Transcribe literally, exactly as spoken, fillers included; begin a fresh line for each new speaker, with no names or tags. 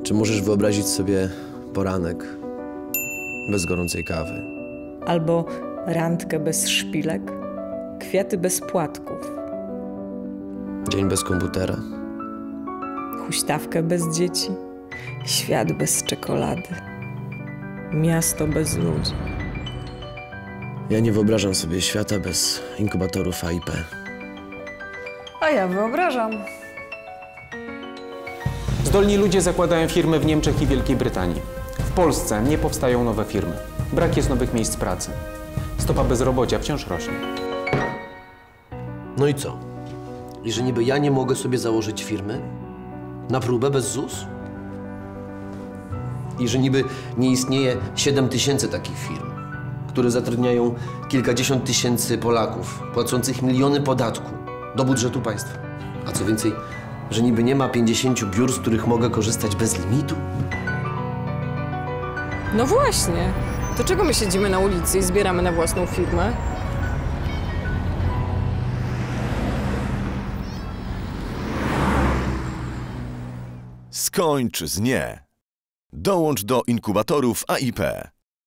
Czy możesz wyobrazić sobie poranek bez gorącej kawy?
Albo randkę bez szpilek, kwiaty bez płatków,
Dzień bez komputera?
huśtawkę bez dzieci, świat bez czekolady, miasto bez ludzi.
Ja nie wyobrażam sobie świata bez inkubatorów A I P.
A ja wyobrażam.
Zdolni ludzie zakładają firmy w Niemczech i Wielkiej Brytanii. W Polsce nie powstają nowe firmy. Brak jest nowych miejsc pracy. Stopa bezrobocia wciąż rośnie.
No i co? I że niby ja nie mogę sobie założyć firmy? Na próbę bez Z U S? I że niby nie istnieje siedem tysięcy takich firm, które zatrudniają kilkadziesiąt tysięcy Polaków, płacących miliony podatku do budżetu państwa. A co więcej, że niby nie ma pięćdziesięciu biur, z których mogę korzystać bez limitu?
No właśnie. To czego my siedzimy na ulicy i zbieramy na własną firmę?
Skończ z nie. Dołącz do inkubatorów A I P.